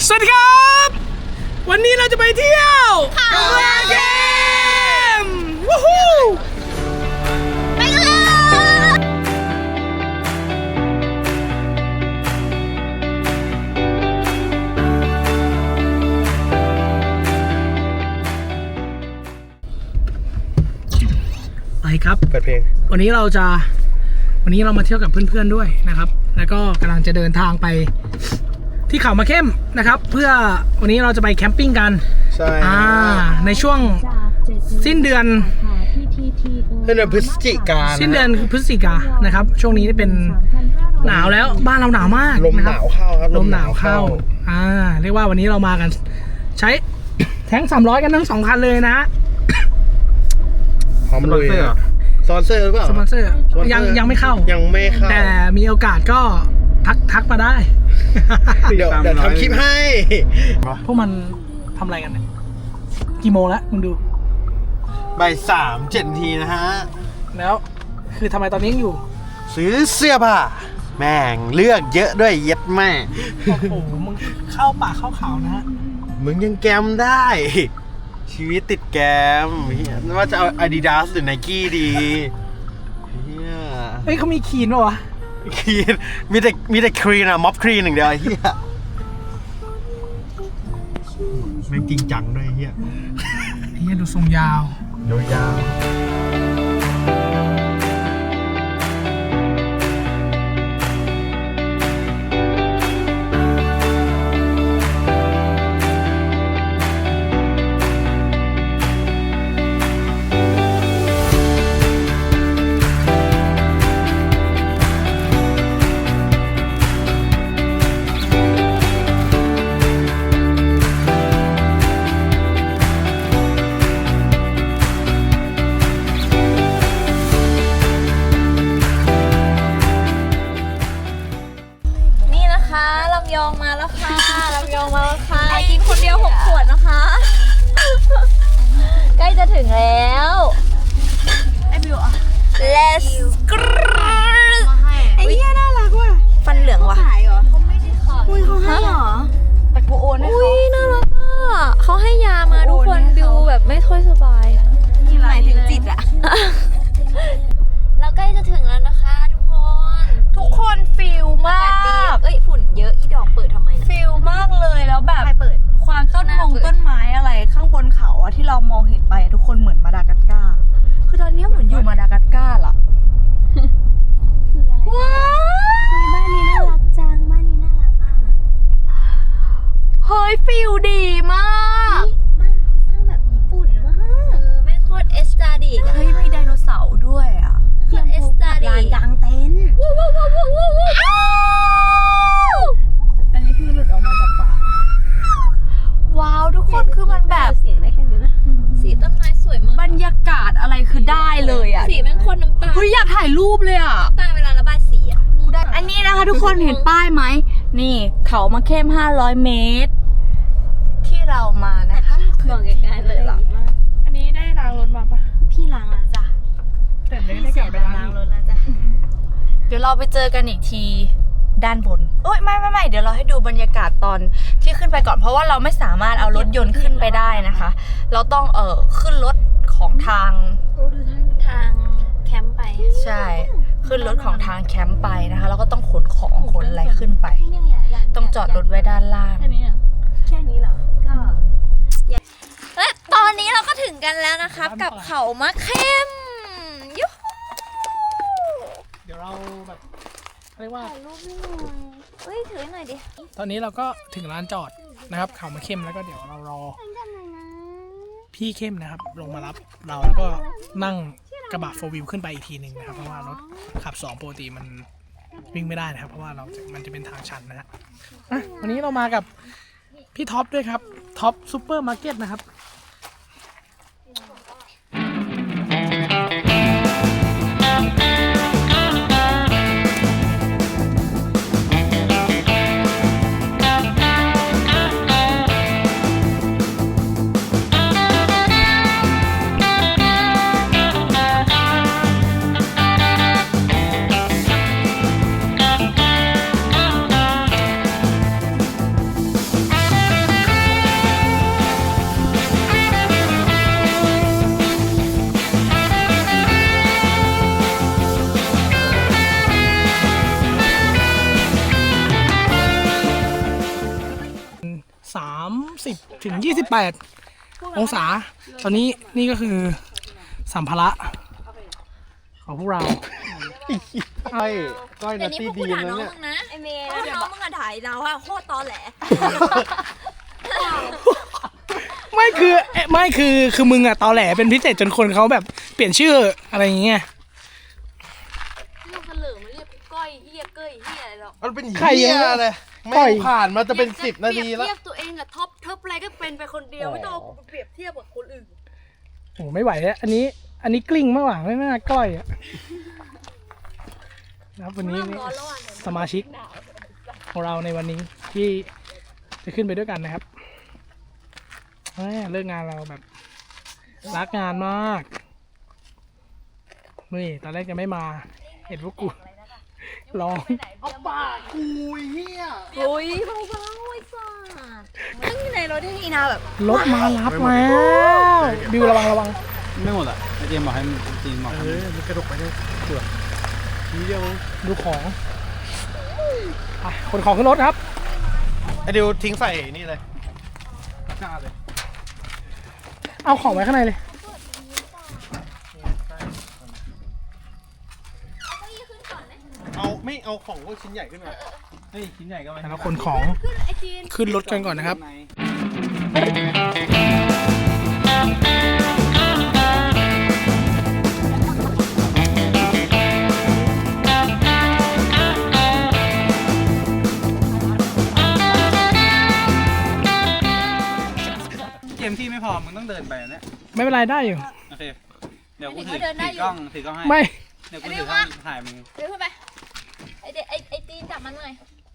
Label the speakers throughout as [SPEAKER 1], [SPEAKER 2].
[SPEAKER 1] สวัสดีครับวันนี้เราจะไปเที่ยวเขาเกมวู้ฮู้ไปเลยไปครับ
[SPEAKER 2] เปิดเพลง
[SPEAKER 1] วันนี้เรามาเที่ยวกับเพื่อนๆด้วยนะครับแล้วก็กำลังจะเดินทางไปที่เขามาเข้มนะครับเพื่อวันนี้เราจะไปแคมปิ้งกัน
[SPEAKER 2] ใช่
[SPEAKER 1] ในช่วงสิ้นเดือน
[SPEAKER 2] พฤศจิกายน
[SPEAKER 1] สิ้นเดือนพฤศจิกายนนะครับช่วงนี้เป็นหนาวแล้วบ้านเราหนาวมาก
[SPEAKER 2] ลมหนาวเข้าครับ
[SPEAKER 1] ลมหนาวเข้าเรียกว่าวันนี้เรามากันใช้แท้ง300กันทั้ง2คันเลยนะ
[SPEAKER 2] พร้อมลุยสปอนเซอร์หรือเปล่า
[SPEAKER 1] สปอนเซอร์ยังไม่เข้าแต่มีโอกาสก็ทักมาได้
[SPEAKER 2] เดี๋ยวทำคลิปให้
[SPEAKER 1] พวกมันทำอะไรกันเนี่ยกี่โมงแล้วมึงดู
[SPEAKER 2] บ่าย3:07 นาทีนะฮะ
[SPEAKER 1] แล้วคือทำไมตอนนี้ยังอยู่
[SPEAKER 2] ซื้อเสื้อผ้าแม่งเลือกเยอะด้วยเย็ดแม่
[SPEAKER 1] โอ้โหมึงเข้าป่าเข้าเขานะฮะ
[SPEAKER 2] มึงยังแกมได้ชีวิตติดแกมว่าจะเอา Adidas หรือ Nike ดี
[SPEAKER 1] เฮ้ยเขามีคีนป่ะวะ
[SPEAKER 2] คีนมีแต่ครีนอะม็อบครีนหนึ่งเดียวไอ้เหี้ยแม่งจริงจังด้วยไอ้เหี้
[SPEAKER 1] ยดูทรงยาว
[SPEAKER 3] ลำยองมาแล้วค่ะกินคนเดียว6 ขวดนะคะใกล้จะถึงแล้วไอ้บิวอ่ะ Let's go
[SPEAKER 4] ไอ้เหี้ยน่ารักว่ะ
[SPEAKER 3] ฟันเหลืองว่ะ
[SPEAKER 4] เขาไม่ได้ขายอุ้ยเขาให้เหรอแต่กูโอนให้เขา
[SPEAKER 3] น่ารักอ่ะเขาให้ยามาทุกคนบิวแบบไม่ค่อยสบาย
[SPEAKER 4] หมายถึงจิตอะ
[SPEAKER 3] เราใกล้จะถึงแล้วนะคะ
[SPEAKER 4] ทุกคนฟิลมาก
[SPEAKER 3] ฝุ่นเยอะอีดอกเปิดทำไมนะ
[SPEAKER 4] ฟิลมากเลยแล้วแบบความต้นไม้อะไรข้างบนเขาอะที่เรามองเห็นไปทุกคนเหมือนมาดากัสการ์คือตอนนี้เหมือนอยู่มาดากัสการ์ล่ะ
[SPEAKER 3] คืออะไร
[SPEAKER 4] ว้าว
[SPEAKER 3] บ้านนี้น่ารักจังบ้านนี้น่ารักอ่ะ
[SPEAKER 4] เฮ้ยฟิลดีมาก
[SPEAKER 3] บ้านเขาสร้างแบบญี่ปุ่นมากแม่งโคตรเอสตาดิ
[SPEAKER 4] เฮ้ยมีไดโนเสาร์ด้วยอะ
[SPEAKER 3] โคตรเอสตาดิ
[SPEAKER 4] ลานกลางเต็นท์อันนี้คือหลุดออกมาจากป่าว้าวทุกคนคือมันแบบ
[SPEAKER 3] เสียงได้แค่นี้นะสีต้นไม้สวยมาก
[SPEAKER 4] บรรยากาศอะไรคือได้เลยอ่ะ
[SPEAKER 3] สีแม่งคนน้ำตา
[SPEAKER 4] เฮ้ยอยากถ่ายรูปเลยอ่ะ
[SPEAKER 3] น้ำตาเวลาระบายสีอ่ะ
[SPEAKER 4] อันนี้นะคะทุกคนเห็นป้ายไหมนี่เขามาเข้ม500 เมตรที่เรามานะคะ
[SPEAKER 3] บอกไกลๆเลยหรอ
[SPEAKER 4] อันนี้ได้ล้างรถมาปะ
[SPEAKER 3] พี่ล้างแล้วจ้ะ
[SPEAKER 4] แต่ไม่ได้กลับไปล้าง
[SPEAKER 3] รถแล้วจ้ะ
[SPEAKER 4] เดี๋ยวเราไปเจอกันอีกทีด้านบนโอ๊ยไม่เดี๋ยวเราให้ดูบรรยากาศตอนที่ขึ้นไปก่อนเพราะว่าเราไม่สามารถเอารถยนต์ขึ้นไปได้นะคะเราต้องขึ้นรถของทาง
[SPEAKER 3] แคมป์ไป
[SPEAKER 4] ใช่ขึ้นรถของทางแคมป์ไปนะคะแล้วก็ต้องขนของขนอะไรขึ้นไปต้องจอดรถไว้ด้านล่าง
[SPEAKER 3] แค่นี้เหรอก็และตอนนี้เราก็ถึงกันแล้วนะครับกับเขามะเข้มยูฮู
[SPEAKER 1] เดี๋ยวเราแบบเรียกว่า
[SPEAKER 3] ถ่ายรูปให้หน่อยเฮ้ยถือหน่อยดิ
[SPEAKER 1] ตอนนี้เราก็ถึงร้านจอดนะครับเขามาเข้มแล้วก็เดี๋ยวเรารอพี่เข้มนะครับลงมารับเราแล้วก็นั่งกระบะ4 wheelขึ้นไปอีกทีหนึ่งนะครับเพราะว่ารถขับ2ปกติมันวิ่งไม่ได้นะครับเพราะว่ามันจะเป็นทางชันนะฮะวันนี้เรามากับพี่ท็อปด้วยครับท็อปซูเปอร์มาร์เก็ตนะครับ 30 ถึง 28 องศา ตอนนี้นี่ก็คือสัมภาระของพวกเรา
[SPEAKER 2] ก้อย
[SPEAKER 3] เดี๋
[SPEAKER 2] นั
[SPEAKER 3] ยว
[SPEAKER 2] ต
[SPEAKER 3] นี้
[SPEAKER 2] ตี้
[SPEAKER 3] พวก
[SPEAKER 2] ดี
[SPEAKER 3] กูด่า
[SPEAKER 2] นะ
[SPEAKER 3] น้อง
[SPEAKER 2] เนี่ย
[SPEAKER 3] มึงนะไอเมย์น้องมึงอะถ่ายเราอะโคตรตอแหล
[SPEAKER 1] ไม่คือมึงอะตอแหลเป็นพิเศษจนคนเขาแบบเปลี่ยนชื่ออะไรอย่างเงี้ย
[SPEAKER 4] เรียกกันเหลือมาเรียกก้อยเฮียเก้ยเฮียอะไรหรอก
[SPEAKER 2] มันเป็น
[SPEAKER 1] ใคร
[SPEAKER 2] เหี้
[SPEAKER 1] ยัง
[SPEAKER 2] ยเลย
[SPEAKER 1] ก้
[SPEAKER 2] ไม่
[SPEAKER 1] อย
[SPEAKER 2] ผ่านมาจะเป็น10 นาทีแล้ว
[SPEAKER 4] เทียบตัวเองกับท็อปอะไรก็เป็นไปคนเดียวไม่ต้องเอาไปเปรียบเทียบกับคนอื่น
[SPEAKER 1] โอ้ไม่ไหวแล้วอันนี้กลิ้งมากกว่าไม่น่าก้อยอะนะครับวันนี้สมาชิกของเราในวันนี้ที่จะขึ้นไปด้วยกันนะครับแหม่เลิกงานเราแบบรักงานมากนี่ตอนแรกจะไม่มาเห็นพวกกูร้อง
[SPEAKER 2] เอาปากคุยเฮีย
[SPEAKER 3] โอ้ยเบาๆไอ้สัสนั่งอยู่ในรถที่อีนาแบบ
[SPEAKER 1] รถมารับแล้วบิวระวัง
[SPEAKER 5] ไม่หมดอ่ะไอเจมบอกให้จีนบอก
[SPEAKER 2] เออมันกระดกไปได้เกือบทีเดียวมั้ง
[SPEAKER 1] ดูของไปขนของขึ้นรถครับ
[SPEAKER 2] ไอเดียวทิ้งใส่นี่เลยตะกร้าเลย
[SPEAKER 1] เอาของไว้ข้างในเลย
[SPEAKER 2] เอาไม่เอาของพวกชิ้นใหญ่ขึ้นมา
[SPEAKER 5] เฮ้ยชิ้นใหญ่ก็ไม่
[SPEAKER 1] แล้วขนของขึ้นรถกันก่อนนะครับ
[SPEAKER 5] เกมที่ไม่พอมึงต้องเดินไปอันเนี้ย
[SPEAKER 1] ไม่เป็นไรได้อยู่
[SPEAKER 5] โอเคเดี๋ยวกูถือกล้องให้
[SPEAKER 1] ไม่
[SPEAKER 5] เดี๋ยวกูถือกล้องถ่ายมึง
[SPEAKER 3] เดี๋ยวขึ้นไปไอตีนจับมันหน่อย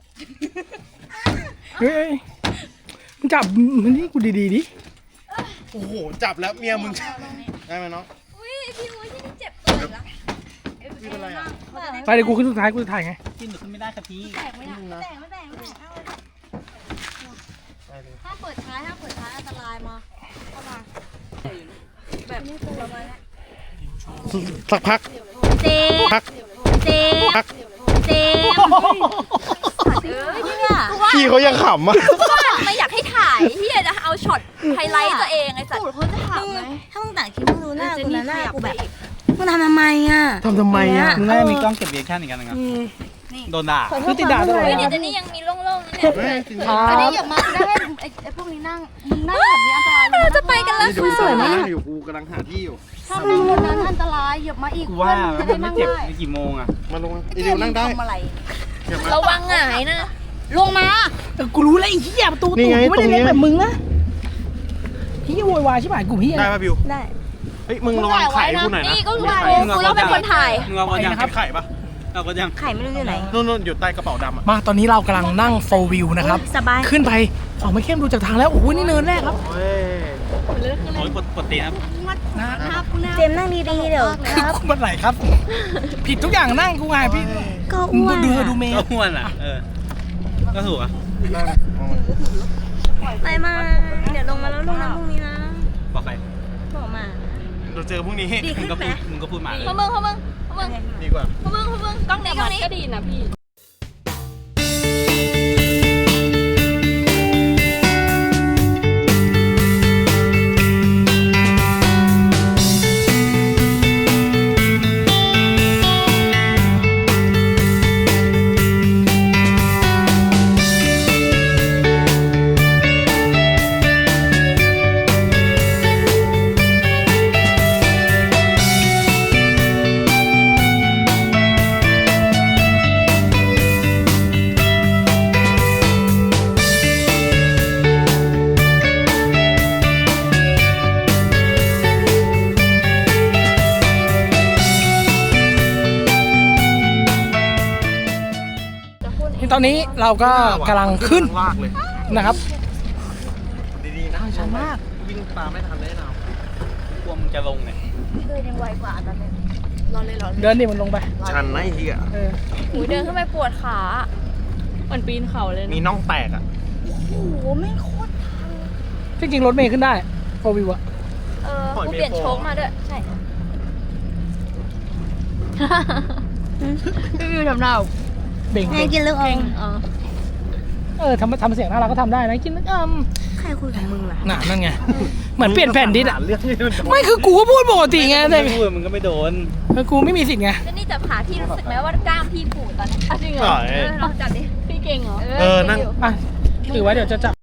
[SPEAKER 1] เฮ้ยมึงจับมันนี่กูดีๆดิ
[SPEAKER 2] โอ้โหจับแล้วเมียมึงได้ไหมน้อง
[SPEAKER 3] อุ้ยพี่อุ้ยที่นี่เจ็บตัวอีกแล้ว
[SPEAKER 2] ไม่เป็นไรอ่ะ
[SPEAKER 1] ไปเดี๋ยวกูขึ้นสุดท้ายกูจะถ่ายไง
[SPEAKER 5] กินหรือขึ้นไม่ได้ครับพี่
[SPEAKER 3] แตกไม่แตกถ้าเปิดท้ายอันตรายมาเข้ามาแบบนี้ตัวมาแล้ว
[SPEAKER 2] สักพัก
[SPEAKER 3] เจ๊
[SPEAKER 2] พัก
[SPEAKER 3] เจ๊
[SPEAKER 2] พัก
[SPEAKER 3] เจ๊เนี่ย
[SPEAKER 2] พี่เขายังขำอ่ะ
[SPEAKER 3] ไม่อยากให้ถ่ายที่จะเอาช็อตไฮไลท์ตัวเองไอ้สัตว์
[SPEAKER 4] เขาจะถามไหม
[SPEAKER 3] ถ้ามึงต่างคิดมึงรู้หน้ากูนะหน้ากูแบบ
[SPEAKER 4] มึงทำทำไมอ่ะ
[SPEAKER 2] ทำไมอ่ะ
[SPEAKER 5] มึงน่าจะมีกล้องเก็บเรียกชั่นอีกอันหนึงอ่ะโดนด่า
[SPEAKER 1] คือติดด่าตลอด
[SPEAKER 3] เฮ้ย
[SPEAKER 1] นะค
[SPEAKER 3] เดี๋
[SPEAKER 1] รั
[SPEAKER 3] ย
[SPEAKER 1] บ
[SPEAKER 3] วนี้ยังมีโล่งๆนะเนี่ย
[SPEAKER 4] อันนี้อย่ามาได้ไอ้พวกนี้นั่งมึงนั่งแบบนี้อันตราย
[SPEAKER 3] เราจะไปกันแล้ว
[SPEAKER 2] ดูสวยมากอยู่กูกำลังหาที่อยู่
[SPEAKER 4] ถ้าเป็นคนนั้นอันตรายอย่ามาอีก
[SPEAKER 5] กูว่า
[SPEAKER 4] จะ
[SPEAKER 5] มั
[SPEAKER 4] ได้
[SPEAKER 5] นไม่
[SPEAKER 4] นั่ง
[SPEAKER 5] เจ็บ
[SPEAKER 4] ได้
[SPEAKER 5] ในกี่โมงอ่ะ
[SPEAKER 2] มาลงไอเดียวนั่งได้
[SPEAKER 4] ทำอะไร
[SPEAKER 2] อย่ามา
[SPEAKER 3] ระวังหงายนะ
[SPEAKER 4] ลงมา
[SPEAKER 1] กูรู้แล้วไอ้เหี้ยประตู
[SPEAKER 2] นี่
[SPEAKER 1] ตู่
[SPEAKER 2] ไง
[SPEAKER 1] กูไม่ได้เล็ก
[SPEAKER 2] ตรงเนี้ย
[SPEAKER 1] แบบมึงนะเหี้ยโวยวายใช่ไหมกูเหี้ย
[SPEAKER 2] ได้ป่ะบิว
[SPEAKER 3] ได้
[SPEAKER 2] เฮ้ยมึงระวังไข่ให้กูหน่อยนะ
[SPEAKER 3] นี่ก็รู้กูต้องเป็นคนถ่าย
[SPEAKER 5] มึงเอาก็ยัง
[SPEAKER 2] เก็บไข่ปะ
[SPEAKER 5] เอาก็ยัง
[SPEAKER 3] ไข่ไม่รู้อยู่ไหน
[SPEAKER 2] นู่นอยู่ใต้กระเป๋าดำอ่ะ
[SPEAKER 1] มาตอนนี้เรากำลังนั่งโฟวิวนะครับ
[SPEAKER 3] สบาย
[SPEAKER 1] ขึ้นไปของไม่เข้มดูจากทางแล้วโอ้โหนี่เนินแรกครับ
[SPEAKER 2] เฮ้ย
[SPEAKER 5] โอ้ยปวดตีนครับ
[SPEAKER 3] เจมนั่งดีๆเดี๋ยว
[SPEAKER 1] กูมันไหลครับ ผิดทุกอย่างนั่งกูไงพี่
[SPEAKER 3] ก็
[SPEAKER 1] มึ
[SPEAKER 3] อ้ว
[SPEAKER 1] ง
[SPEAKER 3] น
[SPEAKER 1] ดูเมย์
[SPEAKER 5] ก็อ้วนอ่ะก็ถูกอ่ะ
[SPEAKER 3] ไปมาเดี๋ยวลงมาแล้วลงน้ำพรุ่งนี้นะ
[SPEAKER 5] บอกใคร
[SPEAKER 3] บอกมา
[SPEAKER 2] เราเจอพรุ่งนี้
[SPEAKER 3] ดี
[SPEAKER 5] มึ
[SPEAKER 3] ขึ้
[SPEAKER 5] ง
[SPEAKER 3] น
[SPEAKER 5] ก็
[SPEAKER 3] ไหม
[SPEAKER 5] พูดมึงก็พูดมาเลย
[SPEAKER 3] พมึงพมึง
[SPEAKER 2] ดีกว่า
[SPEAKER 3] กล้องนี้กล้องนี้
[SPEAKER 4] ก็ดีนะพี่
[SPEAKER 1] ตอนนี้เราก็กำลังขึ้น
[SPEAKER 2] ลากเลย
[SPEAKER 1] นะครับ
[SPEAKER 2] ดีๆนะชันมากวิ่งตามไม่ทันแน่นอน
[SPEAKER 5] กลัวมึงจะลงเนี่ย
[SPEAKER 3] เดินยังไวกว่าตอนนี้
[SPEAKER 4] รอเลยรอเลย
[SPEAKER 1] เดินดิมันลงไป
[SPEAKER 2] ชันนะไอ้เหี้ย
[SPEAKER 1] เออ
[SPEAKER 3] หูเดินขึ้นไปปวดขาเหมือนปีนเขาเลย
[SPEAKER 2] มีน่องแตกอ่ะ
[SPEAKER 4] โอ้โหไม่โคตร
[SPEAKER 1] จริงๆรถเมย์ขึ้นได้โฟวิวอะ
[SPEAKER 3] กูเปลี่ยนโชคมาด้วยใช่
[SPEAKER 4] พี่วิวทำหน้า
[SPEAKER 1] เบ่ง
[SPEAKER 3] ไงกินลูกอม
[SPEAKER 1] ทำเสียงน่ารักก็ทำได้นะกิน
[SPEAKER 4] ใครคุยกับมึงล่ะ
[SPEAKER 1] น่ะนั่นไงเหมือนเปลี่ยนแผ่นดิสอ่ะ
[SPEAKER 2] เรื่องนี้มันโดน
[SPEAKER 1] ไม่คือกูก็พูดปกติไงแต่
[SPEAKER 5] ไม่พูดมึงก็ไม่โดน
[SPEAKER 1] กูไม่มีสิทธิ์ไง
[SPEAKER 3] แล้วนี่จับขาพี่รู้สึกไหมว่ากล้ามพี่ปูดตอนนี้
[SPEAKER 4] จริงเหรอ
[SPEAKER 3] ลองจับดิ
[SPEAKER 4] พี่เก่งเหรอ
[SPEAKER 2] นั่ง
[SPEAKER 1] อ่ะถือไว้เดี๋ยวจะจับ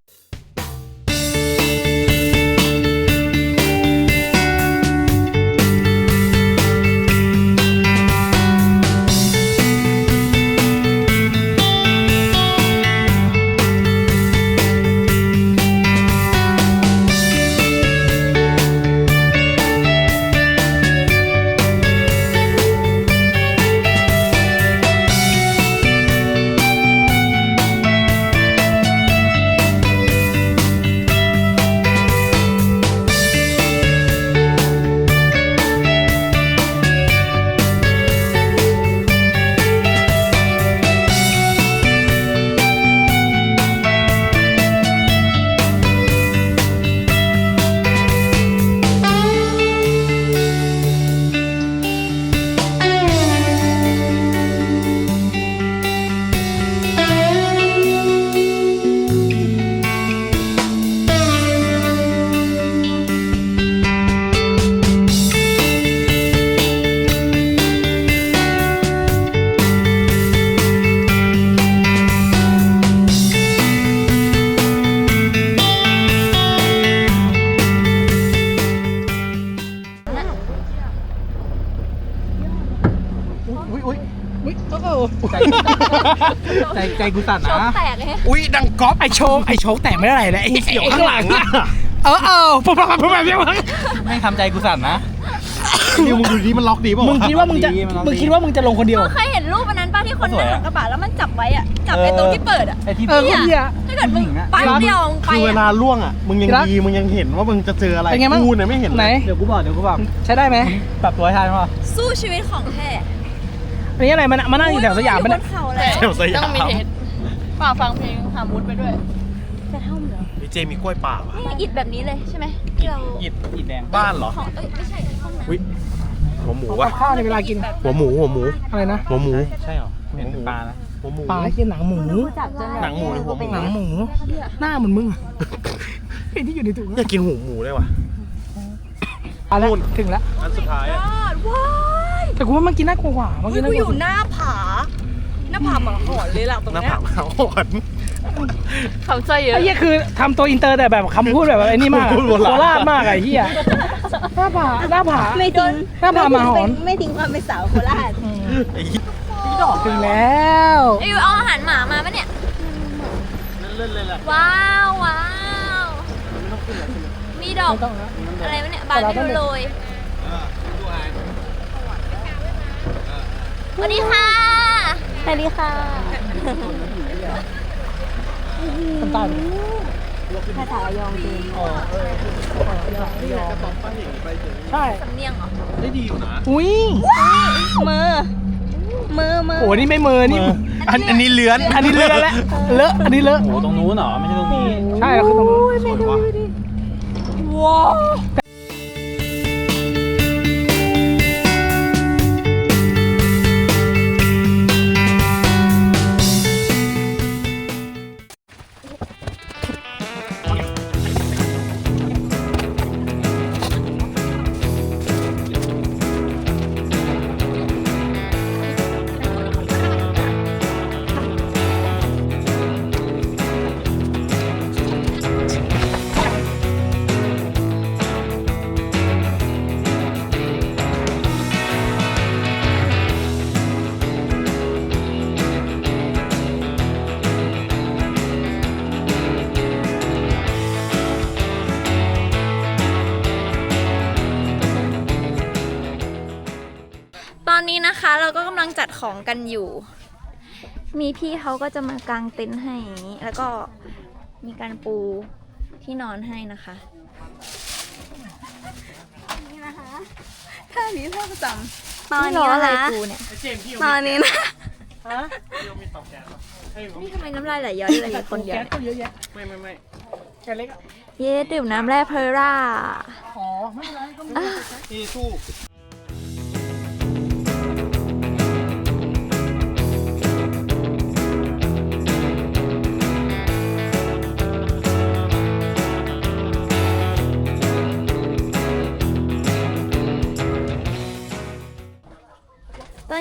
[SPEAKER 5] ใจกูสั่น
[SPEAKER 3] โช
[SPEAKER 5] นะ
[SPEAKER 3] กแตกเลย
[SPEAKER 2] อุ้ยดังก๊อป
[SPEAKER 1] ไอโชคแตกไม่ได้เลยไอ
[SPEAKER 2] เสียวข้างหลังอะ
[SPEAKER 1] ปุ๊บแบบนี้มั้ง
[SPEAKER 5] ไม่ทำใจกูสั่นนะ
[SPEAKER 2] นี่มึงดูดิมันล็อกดีป่ะ
[SPEAKER 1] มึงคิดว่ามึงจะลงคนเดียว
[SPEAKER 3] เคยเห็นรูปอันนั้นป่ะที่คนนั่งหลังกระบะแล้วมันจับไว้อะจับไอ้ตรงที่เปิดอะ
[SPEAKER 5] ไอ้ที่
[SPEAKER 1] คนเดียว
[SPEAKER 3] ถ้าเกิดมึงไปเดียวมึงไป
[SPEAKER 2] คือเว
[SPEAKER 3] อะ
[SPEAKER 2] ลาล่วงอ่ะมึงยังดีมึงยังเห็นว่ามึงจะเจออะไร
[SPEAKER 1] เป็นไงบ้าง
[SPEAKER 2] กูเนี่ยไม่เห็น
[SPEAKER 1] ไหน
[SPEAKER 2] เลย
[SPEAKER 5] เดี๋ยวกูบอก
[SPEAKER 1] ใช้ได้ไหม
[SPEAKER 5] ปรับตัวให้ทันป่ะ
[SPEAKER 3] สู้ชีวิตของแท้
[SPEAKER 1] อันนี้อะไรมันมานั่งอยู่แถวสยามมัน
[SPEAKER 3] บนเขาแล้ว
[SPEAKER 2] แถวสยาม
[SPEAKER 4] ต้องมีเทสป่าฟังเพลงหามุดไปด้วย
[SPEAKER 3] จะเท่าเหรอ
[SPEAKER 2] พี่เจมีกล้วยป่าว่ะ
[SPEAKER 3] นี่อิดแบบนี้เลยใช่ไหมที่เรา
[SPEAKER 5] อิดแดง
[SPEAKER 2] บ้านเหรอ
[SPEAKER 3] ของไม่ใช่ห้องน้ำ
[SPEAKER 2] อุ้ยหัวหมู
[SPEAKER 1] กั
[SPEAKER 2] วะ
[SPEAKER 1] บข้าวในเวลากิน
[SPEAKER 2] หัวหมู
[SPEAKER 1] อะไรนะ
[SPEAKER 2] หัวหมู
[SPEAKER 5] ใช่เหรอเห็นเป็นปลานะ
[SPEAKER 2] หัวหมู
[SPEAKER 1] ปลากินหนังหมู
[SPEAKER 3] จับจน
[SPEAKER 2] หนังหมูหรือหัวหมู
[SPEAKER 1] หนังหมูหน้าเหมือนมึงไอ้ที่อยู่ในถุง
[SPEAKER 2] อยากกินหัวหมูเลยว่ะ
[SPEAKER 1] อะไรถึงแล้ว
[SPEAKER 2] อันสุดท้ายอ่ะ
[SPEAKER 3] ว้าย
[SPEAKER 1] แต่กูว่ามันกินน่ากลัวกว่ามันกินน่ากลัว
[SPEAKER 4] หน้าผาหมาหอนเลยหลังตรง
[SPEAKER 2] หน้า
[SPEAKER 4] เนี้ย
[SPEAKER 2] ผากเขาอ่อน
[SPEAKER 4] คำใจเยอะ
[SPEAKER 1] ไอ้เหี้ยคือทำตัวอินเตอร์แต่แบบคำพูดแบบไอ้นี่มากโคราชมากไอ้เหี้ยหน้าผา
[SPEAKER 3] ไม่ทิ้ง
[SPEAKER 1] หน้าผามาหอน
[SPEAKER 3] ไม่ทิ้งความเป็นสาวโคราช
[SPEAKER 2] ไอ้เหี้ย
[SPEAKER 1] ถึงแล้ว
[SPEAKER 3] ไอ้ยูเอาอาหารหมามาปะเนี่ย
[SPEAKER 2] เล่นเลยแหละ
[SPEAKER 3] ว้าวมีดอก
[SPEAKER 1] ไม่ต้องแล้ว
[SPEAKER 3] อะไรวะเนี่ยบานไม่รู้โรยสวัสดีค่ะสวัสดีค่ะ
[SPEAKER 1] ทำตาดิ
[SPEAKER 3] ภาษาระยองจริง
[SPEAKER 1] ใช่
[SPEAKER 3] สำเนียงเหรอ
[SPEAKER 2] ได้ดีอยู่นะ
[SPEAKER 1] อุ้ย
[SPEAKER 3] มือ
[SPEAKER 1] โอ้นี่ไม่มือนี่
[SPEAKER 2] อันนี้เลื้อน
[SPEAKER 1] อันนี้เลอะแล้วเลอะอันนี้เลอะ
[SPEAKER 5] โอ้ตรงนู้นเหรอ ไม่ใช่ตรงนี้
[SPEAKER 1] ใช่แล้วคือตรงนู้น
[SPEAKER 2] สวยว่ะ
[SPEAKER 3] ว้าว ตอนนี้นะคะเราก็กำลังจัดของกันอยู่ มีพี่เขาก็จะมากางเต็นท์ให้อย่างนี้ แล้วก็มีการปูที่นอนให้นะคะ นี่นะคะท่านี้ท่าประจำตอนนี้นะคะตอนนี้นะนี่ทำไมน้ำลายไหลย้อยเลยอยู่คนเดียว
[SPEAKER 1] แก๊ส
[SPEAKER 3] เนี่ย
[SPEAKER 1] ก็เยอะแยะ
[SPEAKER 2] ไม่
[SPEAKER 1] แก๊สเล็กอ่ะ
[SPEAKER 3] เย้ดื่มน้ำแร่เพอร่า
[SPEAKER 1] อ๋อไม่เป็นไรก็ไม่
[SPEAKER 2] นี่สู้
[SPEAKER 3] น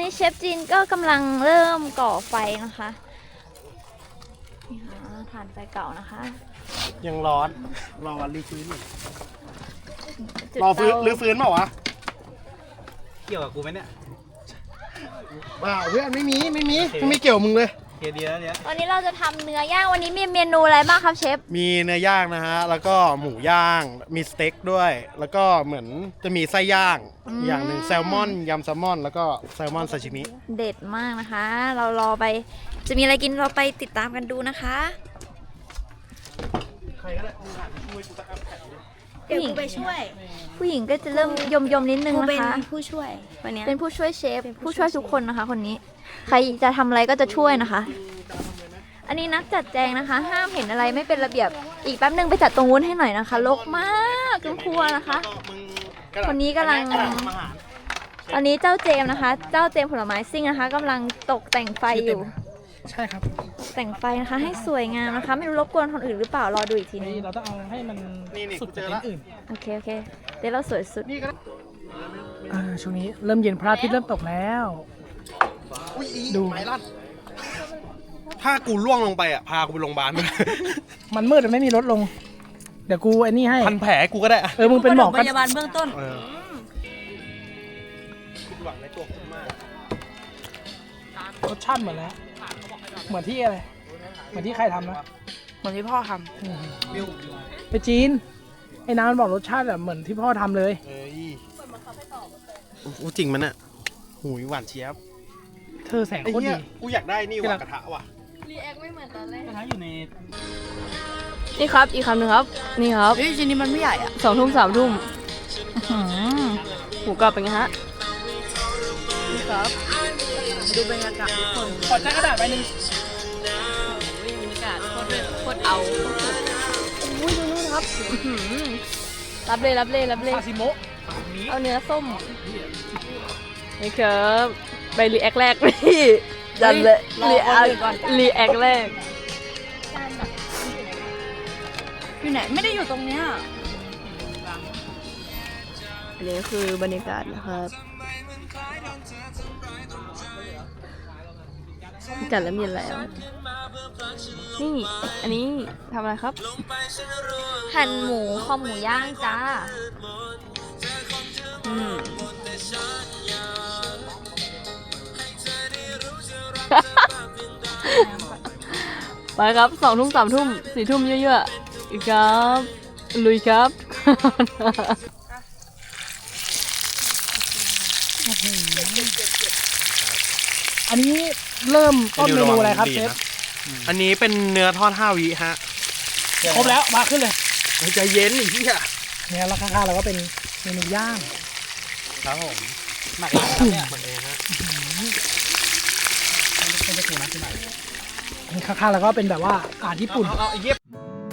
[SPEAKER 3] นี้เชฟจีนก็กำลังเริ่มก่อไฟนะคะนี่ค่ะถ่านไฟเก่านะคะ
[SPEAKER 2] ยังร้อนรอวันรีฟื้นอยู่
[SPEAKER 3] จุด
[SPEAKER 2] รอฟื้น
[SPEAKER 3] เตา
[SPEAKER 2] หรือฟื้นเปล่าวะ
[SPEAKER 5] เกี่ยวกับกูไหมเนี่ย
[SPEAKER 2] เปล่าเพื่อนไม่มีไม่เกี่ยวมึงเลย
[SPEAKER 5] เกียร์ดีแล้วเนี่ย
[SPEAKER 3] วันนี้เราจะทำเนื้อย่างวันนี้มีเมนูอะไรบ้างครับเชฟ
[SPEAKER 2] มีเนื้อย่างนะฮะแล้วก็หมูย่างมีสเต็กด้วย แล้วก็เหมือนจะมีไส้ย่างอย่างหนึ่งแซลมอนยำแซลมอนแล้วก็แซลมอนซาชิมิ
[SPEAKER 3] เด็ดมากนะคะ เรารอไปจะมีอะไรกินเราไปติดตามกันดูนะคะ
[SPEAKER 2] ใครก็ได้มึงหันช่วยกูตะอัพแผ่นดิ
[SPEAKER 3] เดี๋ยวกูไปช่วย ผู้หญิงก็จะเริ่มยมนิดนึง
[SPEAKER 4] กู
[SPEAKER 3] นะ
[SPEAKER 4] เป็น
[SPEAKER 3] คะ
[SPEAKER 4] ผู้ช่วยวันเนี้ย
[SPEAKER 3] เป็นผู้ช่วยเชฟผู้ช่วยทุกคนนะคะ คนนี้ ใครจะทำอะไรก็จะช่วยนะคะ อันนี้นักจัดแจงนะคะ ห้ามเห็นอะไรไม่เป็นระเบียบอีกแป๊บนึงไปจัดตรงนู้นให้หน่อยนะคะรกมากทั้งครัวนะคะ คนนี้กำลัง ตอนนี้เจ้าเจมส์นะคะ เจ้าเจมส์ผลไม้ซิ่งนะคะกำลังตกแต่งไฟอยู่
[SPEAKER 1] ใช่ครับ
[SPEAKER 3] แต่งไฟนะคะให้สวยงามนะคะ ไม่รู้รบกวนคนอื่นหรือเปล่ารอดูอีกทีนึง
[SPEAKER 1] นี่เราต้องเอาให้มัน
[SPEAKER 2] นี่
[SPEAKER 1] สุด
[SPEAKER 2] เจ
[SPEAKER 1] จาก
[SPEAKER 2] อละ
[SPEAKER 1] ที่อื่น
[SPEAKER 3] โอเคเดี๋ยวเราสวยสุด
[SPEAKER 2] นี่ก็ได้
[SPEAKER 1] ช่วงนี้เริ่มเย็นพระอาทิตย์เริ่มตกแล้ว
[SPEAKER 2] อุ้ย
[SPEAKER 1] ดู
[SPEAKER 2] ไม้ลั่นถ้ากูล่วงลงไปอ่ะพากูไปโรงพยาบาล
[SPEAKER 1] มันมืดมันไม่มีรถลง เดี๋ยวกูไอ้นี่ให้
[SPEAKER 2] พันแผลกูก็ได้อะ
[SPEAKER 1] มึงเป็นหมอ
[SPEAKER 4] พ
[SPEAKER 1] ก็
[SPEAKER 4] ยาบาลเบื้องต้น
[SPEAKER 2] คิดหวังในตัวคุณมาก
[SPEAKER 1] รสชาติเหมือนแล้ว เหมือนที่อะไร เหมือนที่ใครทำนะ
[SPEAKER 4] เหมือนที่พ่อท
[SPEAKER 1] ไปจีน ไอ้น้ำมันบอกรสชาติแบบเหมือนที่พ่อทำเลย
[SPEAKER 2] เอ้ยโอ้จริงมันอ่ะหูยหวานเชียบ
[SPEAKER 1] เธอแสง
[SPEAKER 2] ไอ้
[SPEAKER 1] โคตร
[SPEAKER 2] เหี้
[SPEAKER 1] ดี
[SPEAKER 2] ยกูอยากได้นี่ว่ะกระทะว่ะ
[SPEAKER 5] กระทะอยู่ใน
[SPEAKER 4] นี่ครับอีกคำหนึ่งครับ นี่ครับเฮ้ยชิ้นนี้มันไม่ใหญ่อะ2 ทุ่ม 3 ทุ่มหมูกรอบเป็นไงฮะนี่ครับดูบรรยากาศทุกคน
[SPEAKER 1] ขอใช้กระดาษใบหนึ่ง
[SPEAKER 4] บรรยากาศโคตรเอาอุ้ยดูนู่นครับรับเลย
[SPEAKER 1] ซาซิโมะ
[SPEAKER 4] เอาเนื้อส้มนี่ครับไปรีแอคแรกพี่จันเลยรีแอคแรกอยู่ไหนไม่ได้อยู่ตรงเนี้ยอันนี้คือบรรยากาศนะครับจัดแล้วมีแล้ว นี่อันนี้ทำอะไรครับ
[SPEAKER 3] หั่นหมูคอหมูย่างจ้า
[SPEAKER 4] ไปครับ2 ทุ่ม 3 ทุ่ม 4 ทุ่มเยอะๆอีกครับลุยครับ
[SPEAKER 1] อันนี้เริ่มต้นเมนูอะไรครับเชฟ
[SPEAKER 2] อันนี้เป็นเนื้อทอด5 วิฮะ
[SPEAKER 1] ครบแล้วมาขึ้นเลย
[SPEAKER 2] ใจเย็นอีกที่อ่ะ
[SPEAKER 1] เนี่ยแล้วข้างๆเราก็เป็นเมนูย่าง
[SPEAKER 2] ครับผม
[SPEAKER 5] หมักแล้วครับเนี่ย
[SPEAKER 2] คนเองฮะ
[SPEAKER 1] เป็นตะกูนะที่ไหนนี่ข้างๆเราก็เป็นแบบว่าอาหารญี่ปุ่น
[SPEAKER 5] เอาไอ้เหี้ย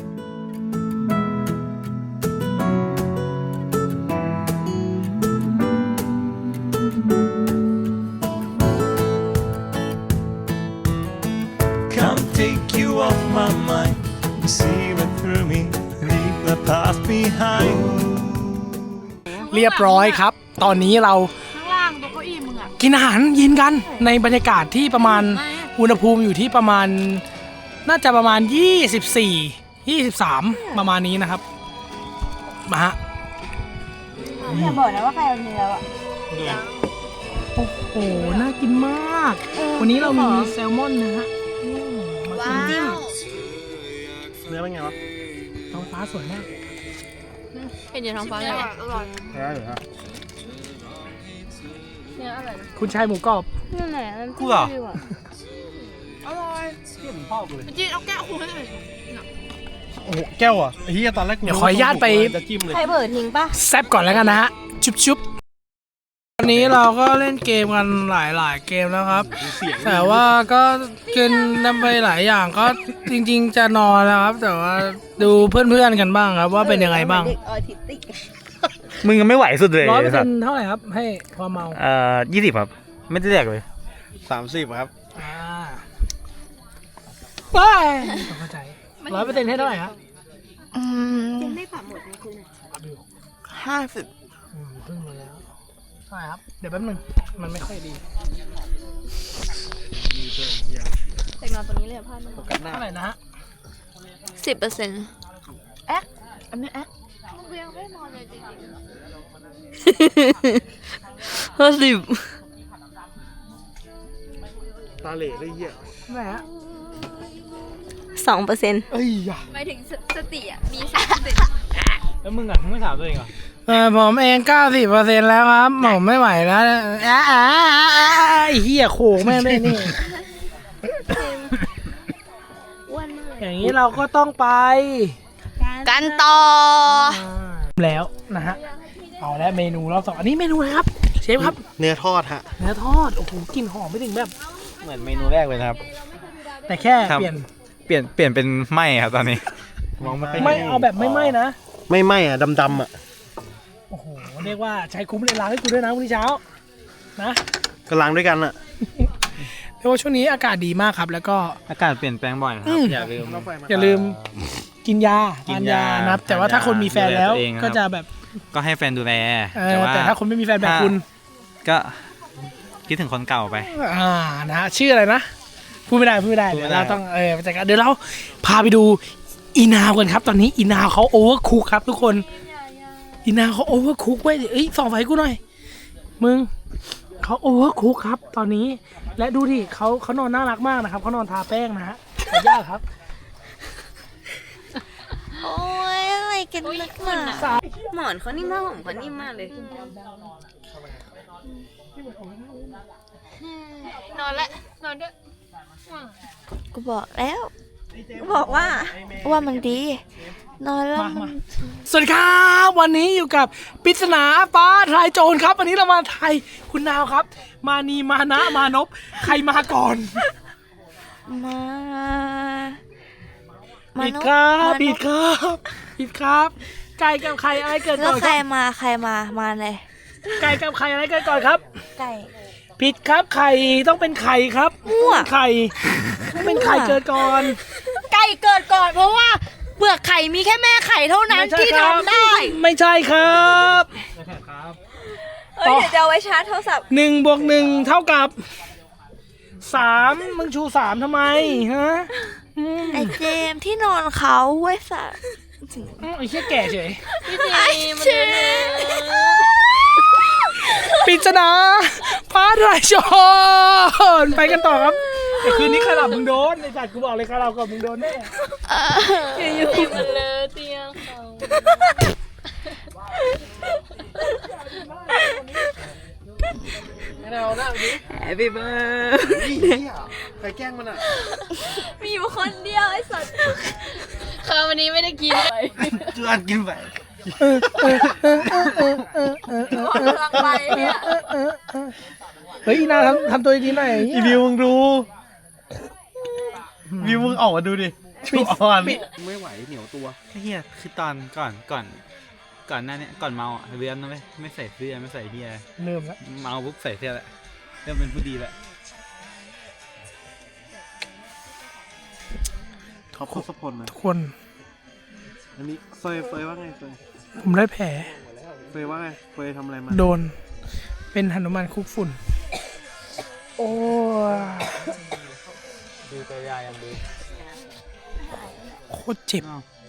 [SPEAKER 6] Come take you off my mind. See right through me. Leave the past behind.
[SPEAKER 1] เรียบร้อยครับ ตอนนี้เรา
[SPEAKER 4] ข้างล่างตรงเก้าอี้มึงอ่ะ
[SPEAKER 1] กินอาหารเย็นกันในบรรยากาศที่ประมาณอุณหภูมิอยู่ที่ประมาณน่าจะประมาณ24 23ประมาณนี้นะครับมาฮะ
[SPEAKER 3] อย่าบอกนะว่าใครเอาเนื้ออะ
[SPEAKER 1] โอ้โหน่ากินมาก วันนี้เรามีแซลมอนนะฮะมากิน
[SPEAKER 2] เนื้อเป็นไงวะ
[SPEAKER 1] ท้องฟ้าสวยมาก
[SPEAKER 4] เห็นอยู่ท้องฟ้าเลย
[SPEAKER 2] ใช่เหรอฮะ
[SPEAKER 1] คุณชายหมูกรอบ
[SPEAKER 4] นั่นแหละ
[SPEAKER 2] กูเหรอ
[SPEAKER 4] จีนเอาแก้วคุณให้หน่อย
[SPEAKER 2] โอ้โหแก้วอ่ะไอ้เหี้ยตอนแรก
[SPEAKER 1] เดี๋ยวขออนุญาตไป
[SPEAKER 2] จะจิ้มเลย
[SPEAKER 3] ใครเปิดทิ้งปะ
[SPEAKER 1] แซบก่อนแล้วกันนะฮะ ชุบวันนี้เราก็เล่นเกมกันหลายเกมแล้วครับ แต่ว่าก็กินน้ำไปหลายอย่างก็จริงๆจะนอนแล้วครับ แต่ว่าดูเพื่อนๆกันบ้างครับว่าเป็นยังไงบ้าง
[SPEAKER 5] มึงยังไม่ไหวสุดเลย
[SPEAKER 1] 100%เท่าไหร่ครับ ให้ความเมา
[SPEAKER 5] 20ครับ ไม่ได้แดกเลย
[SPEAKER 2] 30ครับ
[SPEAKER 1] ไปเข้าใจ100%ให้เท่าไหร่ครับ
[SPEAKER 4] 50
[SPEAKER 1] เพิ่งมาแล้วใช่ครับ เดี๋ยวแป๊บนึงมันไม่ค่อยดี
[SPEAKER 3] แต่นอนตรงนี้เลยพ่อ
[SPEAKER 1] เท่าไหร่นะฮะ
[SPEAKER 3] 10%
[SPEAKER 4] อันนี้แอ๊ะ
[SPEAKER 3] กูยังไม่นอนเลยจริง
[SPEAKER 4] 50
[SPEAKER 2] ตาเหล่เลยเหี้ย
[SPEAKER 1] ไหนฮะ
[SPEAKER 4] 2%
[SPEAKER 2] เอ้ยอย่า
[SPEAKER 3] ๆหมายถึงสติอ่ะ มี
[SPEAKER 5] แล้วมึงอ่ะมึงไม่ถามตัวเองเหรอ
[SPEAKER 1] ผมเอง 90%แล้วครับผมไม่ไหวแล้วไอ้เหี้ยโขกแม่งได้นี่
[SPEAKER 3] อ้วนมาก
[SPEAKER 1] อย่างนี้เราก็ต้องไป
[SPEAKER 4] กันต่อ
[SPEAKER 1] แล้วนะฮะ เอาแล้วเมนูรอบสองอันนี้เมนูอะไรครับ เชฟครับ
[SPEAKER 2] เนื้อทอดฮะ
[SPEAKER 1] เนื้อทอด โอ้โหกลิ่นหอมไม่ถึงแบบ
[SPEAKER 5] เหมือนเมนูแรกเลยนะครับ
[SPEAKER 1] แต่แค่
[SPEAKER 5] ครับ
[SPEAKER 1] เปลี่ยน
[SPEAKER 5] เปลี่ยนเป็นไหมครับตอนนี้ มองไม่ค่อย
[SPEAKER 1] ไม่เอาแบบไม่ไหม้นะ
[SPEAKER 2] ไม่ไหม้อะดำๆอะ
[SPEAKER 1] โอ้โห เรียกว่าใช้คุ้มเลยล้างให้กูด้วยนะวันนี้เช้า นะ
[SPEAKER 2] ก็ล้างด้วยกันอะ
[SPEAKER 1] เรียกว่าช่วงนี้อากาศดีมากครับ แล้วก็
[SPEAKER 5] อากาศเปลี่ยนแปลงบ่อยนะค
[SPEAKER 1] อื
[SPEAKER 5] รับ
[SPEAKER 1] ม
[SPEAKER 5] อย่าลืม
[SPEAKER 1] อย่าลืมกินยา
[SPEAKER 5] กิ
[SPEAKER 1] ทาน
[SPEAKER 5] น
[SPEAKER 1] ยาย
[SPEAKER 5] า
[SPEAKER 1] นะครับ แต่ว่าถ้าคนมีแฟน
[SPEAKER 5] ดูแล
[SPEAKER 1] แล้ว
[SPEAKER 5] ตัวเองนะครับ
[SPEAKER 1] ก็จะแบบ
[SPEAKER 5] ก็ให้แฟนดูแล
[SPEAKER 1] แต่ถ้าคนไม่มีแฟนแบบคุณ
[SPEAKER 5] ก็คิดถึงคนเก่าไป
[SPEAKER 1] นะฮะชื่ออะไรนะ พูดไม่ได้
[SPEAKER 5] พูดไม่ได้
[SPEAKER 1] เดี๋ยวเราต้องไปจัดการเดี๋ยวเราพาไปดูอีนาวกันครับ ตอนนี้อีนาวเขาโอเวอร์คุกครับทุกคนอีนาวเขาโอเวอร์คุกไว้ยเอ้ยส่องไฟกูหน่อยมึงเขาโอเวอร์คุกครับ ตอนนี้และดูดิเขานอนน่ารักมากนะครับเขานอนทาแป้งนะฮะขอยากครับ
[SPEAKER 4] โอ้ยอะไรกันนักหนาหมอนเขานิ่มมากผมเขานิ่มมากเลย
[SPEAKER 3] นอนแล้วนอนด้วย
[SPEAKER 4] กูบอกแล้วกูบอกว่ามันดี นอนแล้วมัน
[SPEAKER 1] สวัสดีครับวันนี้อยู่กับปริศนาฟ้าทลายโจรครับ วันนี้เรามาทายคุณนาวครับ มานีมานะมานพใครมาก่อน
[SPEAKER 4] มา
[SPEAKER 1] ผิด
[SPEAKER 4] นุษย์
[SPEAKER 1] ครับ
[SPEAKER 4] มนุษย์
[SPEAKER 1] ผิดครับผิดครับไก่กับไข่อะไรเกิด
[SPEAKER 4] แล้
[SPEAKER 1] ก่
[SPEAKER 4] ว
[SPEAKER 1] อน
[SPEAKER 4] ใค
[SPEAKER 1] ค
[SPEAKER 4] ร
[SPEAKER 1] รับ
[SPEAKER 4] มาเลย
[SPEAKER 1] ไก่กับไข่อะไรเกิดก่อนครับ
[SPEAKER 4] ไก่
[SPEAKER 1] ผิดครับไข่ต้องเป็นไข่ครับ
[SPEAKER 4] มั่ว
[SPEAKER 1] ไข่เป็นไข่เกิดก่อน
[SPEAKER 4] ไก่เกิดก่อนเพราะว่าเปลือกไข่มีแค่แม่ไข่เท่านั้น
[SPEAKER 1] ไม่ใช่
[SPEAKER 4] ที่
[SPEAKER 1] ครับ
[SPEAKER 4] ทำได้
[SPEAKER 1] ไม่ใช่ครับ
[SPEAKER 3] เอ้ยเดี๋ยวจะเอาไว้ชาร์จโทรศัพท์
[SPEAKER 1] 1 บวก 1 เท่ากับ 3มึงชู 3ทำไมฮะอืม
[SPEAKER 4] ไอเจมส์ที่นอนเขาไว้สัตว์
[SPEAKER 1] ไอ้เหี้ยแก่เฉย
[SPEAKER 4] ไอเจมส์
[SPEAKER 1] ปริศนาฟ้าทลายโจรไปกันต่อครับแต่คืนนี้ใครหลับมึงโดนไอ้สัตว์กูบอกเลยใครหลับก่อนมึงโดนแน่
[SPEAKER 3] อยู่มันเลยเตียงเขา
[SPEAKER 2] ไม่เอาหน้าดิ
[SPEAKER 4] Happy birthday
[SPEAKER 2] ใครแกล้งมันอะ
[SPEAKER 3] มีอยู่คนเดียวไอ้สัตว์คือวันนี้ไม่ได้กินเลย
[SPEAKER 2] จวนกินไป
[SPEAKER 3] หมดพลังไปเนี่ย
[SPEAKER 1] เฮ้ยอีนาทำตัวดีๆหน่อย
[SPEAKER 2] อีวิวมึงดูวิวมึงออกมาดูดิชูอ่อนไม่ไหวเหนียวตัว
[SPEAKER 5] เฮียคือตอนก่อนหน้านี้ก่อนเมาอ่ะเรือนนะไม่ใส่เสื้อไม่ใส่เฮีย
[SPEAKER 1] เริ่มแล้ว
[SPEAKER 5] เมาปุ๊บใส่เสื้อแหละเริ่มเป็นผู้ดีแหละ
[SPEAKER 2] ท็อปทศพลนะ
[SPEAKER 1] ทุกคน
[SPEAKER 2] อันนี้เฟยว่าไงเฟย
[SPEAKER 1] ผมได้แผล
[SPEAKER 2] เฟยว่าไงเฟยทำอะไรมา
[SPEAKER 1] โดนเป็นหนุมานคุกฝุ่น โอ้ย
[SPEAKER 5] ดูตัวยายังดู
[SPEAKER 1] โคตรเจ็บ
[SPEAKER 5] อ้าว